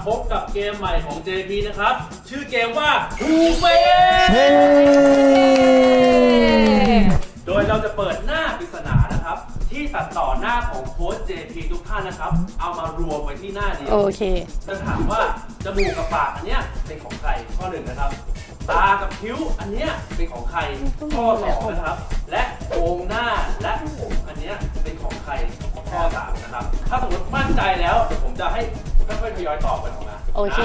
พบกับเกมใหม่ของ JP นะครับชื่อเกมว่าฮูเฟโดยเราจะเปิดหน้าปริศนานะครับที่ตัดต่อหน้าของโค้ช JP ทุกท่านนะครับเอามารวมไว้ที่หน้าเดียวโอเคจะถามว่าจมูกกับปากอันเนี้ยเป็นของใครข้อหนึ่งนะครับตากับคิ้วอันเนี้ยเป็นของใครข้อสองนะครับและโครงหน้าและผมอันเนี้ยเป็นของใครข้อสามนะครับถ้าสมมติมั่นใจแล้วเดี๋ยวผมจะให้ค่อยๆทยอยตอบกันออกมาโอเค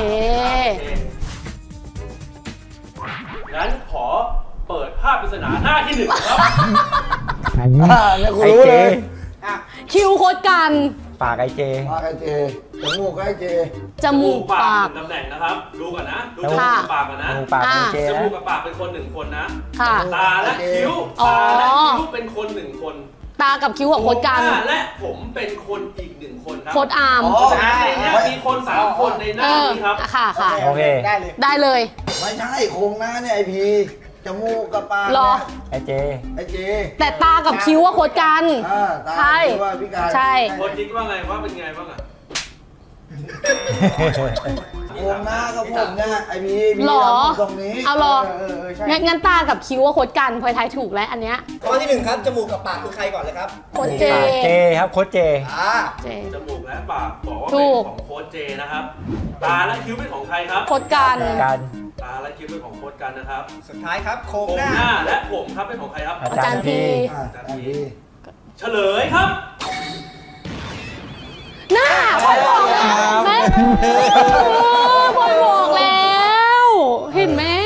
งั้นขอเปิดภาพปริศนาหน้าที่หนึ่งครับเนี่ยกูรู้เลยคิวโคตรกันปากไอเจปากไอเจจมูกไอเจจมูกปากตำแหน่งนะครับดูก่อนนะดูจค่ะมูกกับปากก่อนนะจมูกปากไอเจจนะมูกกับปากเป็นคนหนึ่งคนนะค่ะตาและคิ้วอ๋อตาและคิ้วเป็นคนหนึ่งคนตากับคิ้วของโคตรกันหน้าและผมเป็นคนอีกหนึ่งคนครัโคตรอาร์มใช่เนี่ยมีคน3คนในหน้านี้ครับค่ะค่ะโอเคได้เลยได้เลยไม่ใช่โครงหน้าเนี่ยไอพีจมูกกับปากรอไอเจไอเจแต่ตากับคิ้วว่าโคตรกันตาใช่ที่ว่าพิการใช่คนคิดว่าไงว่าเป็นไงบ้างอ่ะโครงหน้ากับผมเนี่ยไอพีมีหรอตรงนี้เอาหรอใช่งั้นตากับคิ้วว่าโคตรกันพลอยทายถูกแล้วอันเนี้ยข้อที่หนึ่งครับ จมูกกับปากคือใครก่อนเลยครับโคตรเจปากเจครับโค้ชเจเจจมูกและปากบอกว่าถูเป็นกของโค้ชเจนะครับ ตาและคิ้วเป็นของใครครับโคตรกันการตาและคิ้วเป็นของโค้ชกันนะครับสุดท้ายครับ โครงโครงหน้าหน้าและผมครับเป็นของใครครับอาจารย์พีไอพีเฉลยครับหน้าพลอยบอกแล้วแม่พลอยบอกแล้ว เห็นไหม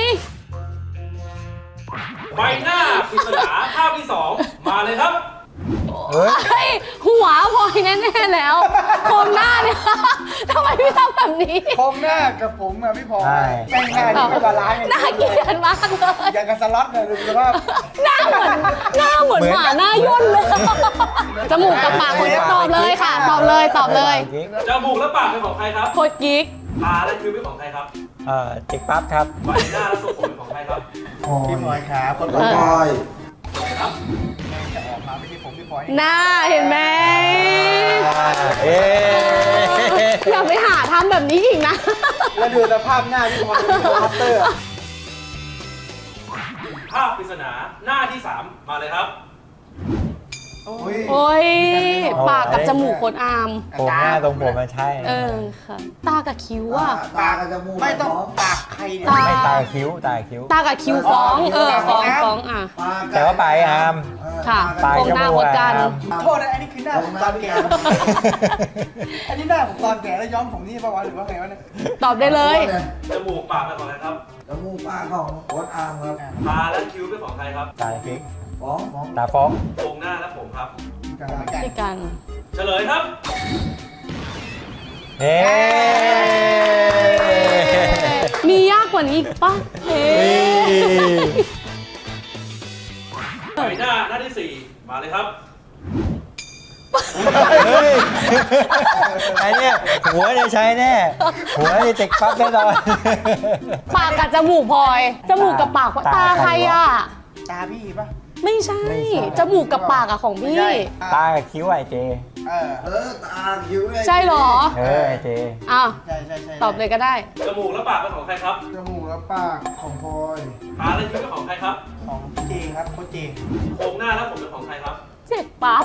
ใบหน้าปริศนาภาพที่ 2 มาเลยครับเฮ้ยเฮ้ยหัวพลอยแน่ๆแล้วโคมหน้าเนี่ย ทำไมพี่ทำแบบนี้โครงหน้ากับผมอะพี่พอใช่แม่งหน้าที่ไม่บาลานซ์น่าเกลียดมากเลยอย่างกับสล็อตเลยดูสภาพหน้าเหมือนหมาหน้าย่นเลย จมูกกับปากคนตอบเลยค่ะ ตอบเลยตอบเลยจมูกและปากเป็นของใครครับโคตรกิ๊กตาและคิ้วเป็นของใครครับจิกปั๊บครับใบหน้าและทรงผมเป็นของใครครับพี่พลอยขาคนบอยครับจะออกมาไม่ใช่ผมพี่พลอยหน้าเห็นไหมเอ๊ะอย่าไปหาทำแบบนี้อีกนะแล้วดูสภาพหน้าพี่พลอยเป็นคัตเตอร์ภาพปริศนาหน้าที่ 3 มาเลยครับโอ้ย ปากกับจมูกโคตรอามโครงหน้าตรงผมมันใช่เออค่ะ ตากับคิ้วอะตากับจมูกไม่ต้องปากใครเนี่ยตาไม่ตาคิ้วตาคิ้วตากับคิ้วฟ้อง ฟ้องอ่ะแต่ว่าปลายอาร์มค่ะปลายโครงจหน้ามูโคกตรกันอาร์มโทษนะอันนี้คือหน้าผมตอนแก่อันนี้หน้าผมตอนแก่แล้วย้อมผมนี่ปะวะหรือว่าไงวะเนี่ยตอบได้เลยจมูกปากเป็นของใครครับจมูกปากของโค้ดอาร์มครับตาและคิ้วเป็นของใครครับตาคิ้วฟ้องตาฟ้องโครงหน้าและผมครับด้วยกันเฉลยครับเฮ้มียากกว่านี้อีกปะเฮ้ใบหน้าที่ 4 มาเลยครับเฮ้ยไอเนี่ยหัวเนี่ยใช้แน่ หัวนี่จิกปั๊บแน่นอนปากกับจมูกพลอย จมูกกับปากตาใครอ่ะตาพี่ปะไม่ใช่ จมูกกับปากอะของพี่ตากับคิ้วไอเจตาคิ้วใช่เหรอไอเจอ้าวใช่ใช่ใช่ตอบเลยก็ได้จมูกและปากเป็นของใครครับจมูกและปากของพลอยตาและคิ้วเป็นของใครครับของเจครับโคชเจโครงหน้าและผมเป็นของใครครับเจ็บปั๊บ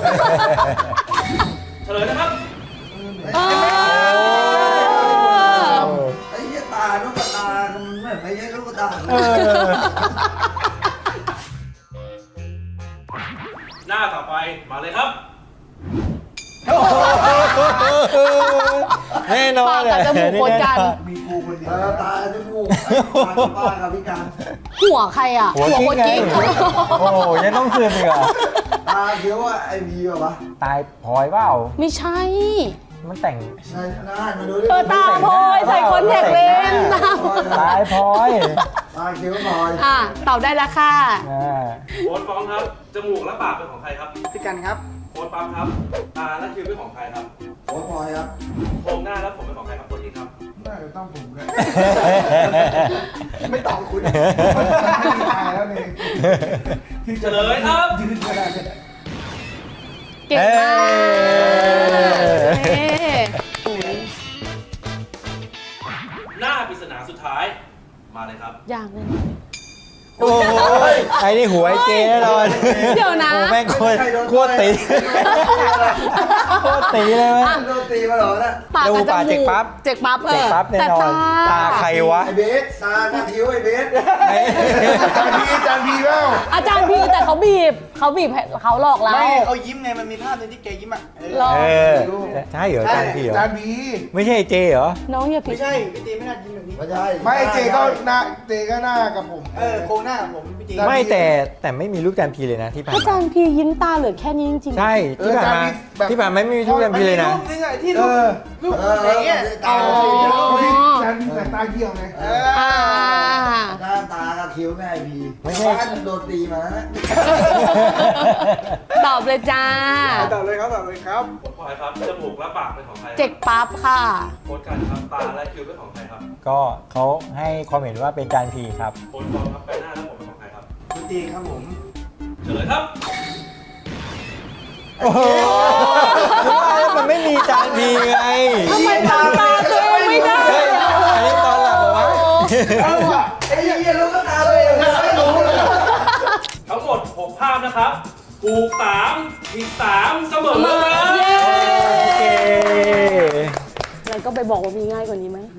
เฉลยนะครับเออไอ้เหี้ยตาลูกตามันเหมือนไม่ใช่ลูกตาหน้าต่อไปมาเลยครับแน่นอนปากกับจมูกโคตรกันมีกูคนเดียวตาจมูกปากกับพิการหัวใครอ่ะหัวโคกิ๊กตรไงกิ๊กโอ้โหยังต้องคืนอีกเหรอตาคิ้วว่าไอพีวะตายพลอยเปล่าไม่ใช่มันแต่งใช่หน้ามาดูดิเออตาพลอยใส่คอนแทคเลนส์ตาตายพลอยตาคิ้วหน่อยอ่ะตอบได้แล้วค่ะโค้ดฟ้องครับ จมูกและปากเป็นของใครครับพี่กันครับโค้ดปั๊มครับ ตาและคิ้วเป็นของใครครับโค้ดพลอยครับโครงหน้าและผมเป็นของใครครับโค้ดอีกครับน่าจะต้องผมกันไม่ตอบคุณไม่มีทางแล้วนี่เฉลยครับยืนขนาดนี้เก่งมากเฮ้หน้าปริศนาสุดท้ายมาเลยครับอย่างเลยโอ้ยไอ้นี่หัวไอ้เจแน่นอนเดี๋ยวนะโอ้แม่งโคตรตีโคตรตีเลยมั้ยโดนตีมาเหรอนะปากกับจปากเจ็มูกกปั๊บเจ็กปั๊บเจ็กปั๊บแน่นอนตาใครวะไอเบสตาหน้าคิ้วไอเบสจานพีเปล่าอาจารย์พีแต่เขาบีบเขาหลอกเราไม่เขายิ้มไงมันมีภาพนึงที่แกยิ้มอ่ะหลอกเออใช่เหรอจานพี่เหรอจานพีไม่ใช่ไอ้เจเหรอน้องอย่าผิไม่ดใช่พี่ตีไม่น่ายิ้มแบบนี้ไม่ใช่ไม่เจก็หน้ากับผมโครงหน้าผมพี่ตีไม่แต่ไม่มีรูปจานพีเลยนะที่ผ่านอาจารมาย์พียิ้มตาเหลือแค่นี้จริงๆใช่ที่ผ่านมาไม่มีรูปจานพีเลยนะรูปนึงอ่ะที่รูปอะไรเงี้ยตาจานพีแต่ตาเกี่ยวไงอ่าหน้าตากับคิ้วแม่ไอพีไม่ใช่บ้านโดนตีมานะตอบเลยจ้าตอบเลยครับโค้ชพลอยครับจมูกและปากเป็นของใครเจ็กปั๊บค่ะโค้ชกันครับตาและคิ้วเป็นของใครครับก็เขาให้ความเห็นว่าเป็นจานพีครับโค้ชฟองครับใบหน้าและผมเป็นของใครครับพี่ตีครับผมเฉลยครับโอ้โหมันไม่มีจานพีไงทำไมทำตาตัวเองไม่ได้เฮ้ยอันนี้ตอนหลับเหรอวะไอ้เหี้ยรู้ก็ตาตัวเองไม่รู้เลยทั้งหมด 6 ภาพนะครับถูก3ผิด3เสมอครับเย้โอเคแล้วก็ไปบอกว่ามีง่ายกว่านี้ไหม